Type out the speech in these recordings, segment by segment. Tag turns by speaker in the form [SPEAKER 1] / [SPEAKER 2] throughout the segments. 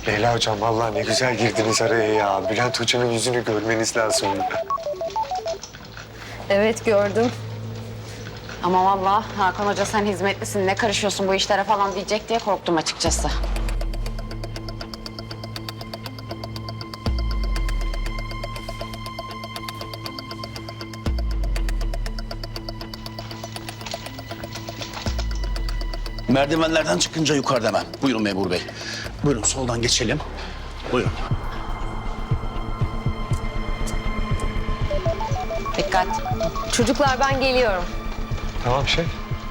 [SPEAKER 1] Leyla hocam vallahi ne güzel girdiniz araya ya. Bülent hocanın yüzünü görmeniz lazım.
[SPEAKER 2] Evet gördüm.
[SPEAKER 3] Ama vallahi Hakan Hoca sen hizmetlisin, ne karışıyorsun bu işlere falan diyecek diye korktum açıkçası.
[SPEAKER 4] Merdivenlerden çıkınca yukarıda hemen. Buyurun memur bey. Buyurun soldan geçelim. Buyurun.
[SPEAKER 3] Dikkat.
[SPEAKER 2] Çocuklar ben geliyorum.
[SPEAKER 1] Tamam şey.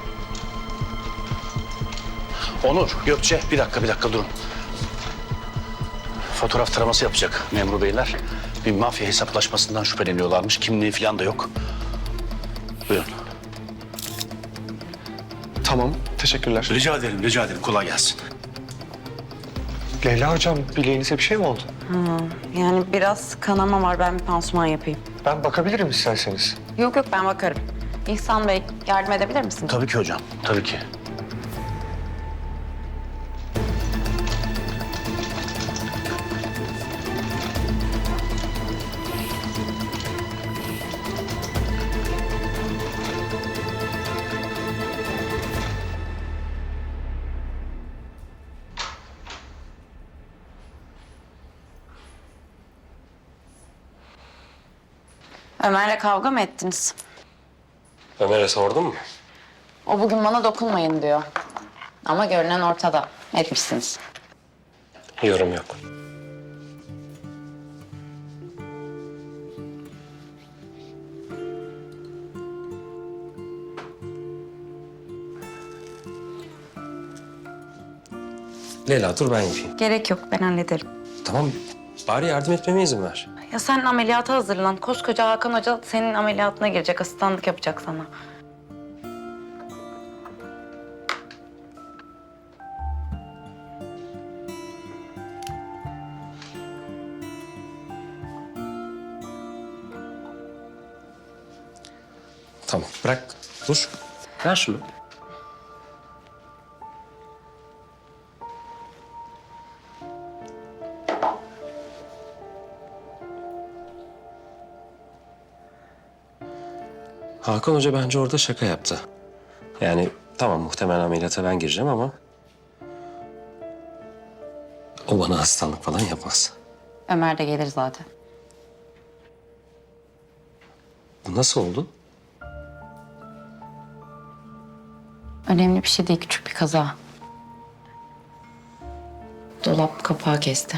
[SPEAKER 4] Onur, Gökçe bir dakika durun. Fotoğraf taraması yapacak memur beyler. Bir mafya hesaplaşmasından şüpheleniyorlarmış. Kimliği falan da yok. Buyurun.
[SPEAKER 1] Tamam teşekkürler.
[SPEAKER 4] Rica ederim. Kolay gelsin.
[SPEAKER 1] Leyla hocam bileğinize bir şey mi oldu?
[SPEAKER 3] Yani biraz kanama var, ben bir pansuman yapayım.
[SPEAKER 1] Ben bakabilirim isterseniz.
[SPEAKER 3] Yok ben bakarım. İhsan Bey yardım edebilir misin?
[SPEAKER 4] Tabii ki hocam, tabii ki.
[SPEAKER 3] Ömer'le kavga mı ettiniz?
[SPEAKER 5] Ömer'e sordun mu?
[SPEAKER 3] O bugün bana dokunmayın diyor. Ama görünen ortada. Etmişsiniz.
[SPEAKER 5] Yorum yok. Leyla dur ben yapayım.
[SPEAKER 3] Gerek yok, ben hallederim.
[SPEAKER 5] Tamam bari yardım etmeme izin ver.
[SPEAKER 3] Ya sen ameliyata hazırlan. Koskoca Hakan Hoca senin ameliyatına girecek, asistanlık yapacak sana.
[SPEAKER 5] Tamam bırak dur. Ver şunu. Hakan Hoca bence orada şaka yaptı. Yani tamam muhtemelen ameliyata ben gireceğim ama... ...o bana hastalık falan yapmaz.
[SPEAKER 3] Ömer de gelir zaten.
[SPEAKER 5] Bu nasıl oldu?
[SPEAKER 3] Önemli bir şey değil, küçük bir kaza. Dolap kapağı kesti.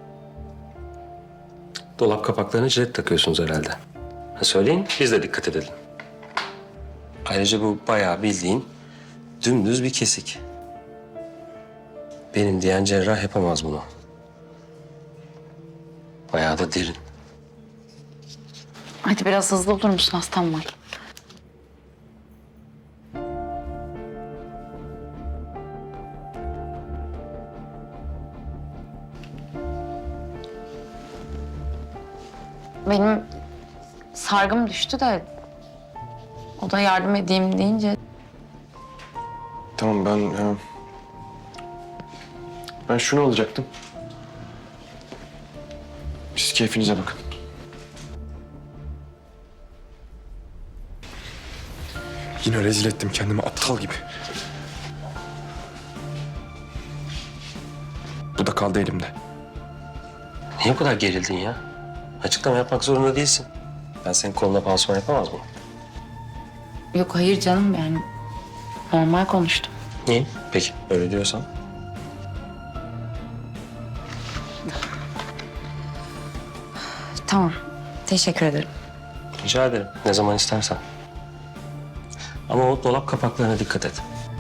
[SPEAKER 5] Dolap kapaklarına jilet takıyorsunuz herhalde. Ha, söyleyin biz de dikkat edelim. Ayrıca bu bayağı bildiğin dümdüz bir kesik. Benim diyen cerrah yapamaz bunu. Bayağı da derin.
[SPEAKER 3] Hadi biraz hızlı olur musun? Hastam var. Benim sargım düştü de o da yardım edeyim deyince
[SPEAKER 1] Tamam ben şunu alacaktım. Siz keyfinize bakın. Yine rezil ettim kendimi aptal gibi. Bu da kaldı elimde.
[SPEAKER 5] Niye bu kadar gerildin ya? Açıklama yapmak zorunda değilsin. Ben senin koluna pansuman yapamaz mıyım?
[SPEAKER 3] yok hayır canım, yani normal konuştum.
[SPEAKER 5] Niye? Peki öyle diyorsan.
[SPEAKER 3] Tamam, teşekkür ederim.
[SPEAKER 5] Rica ederim. Ne zaman istersen. Ama o dolap kapaklarına dikkat et.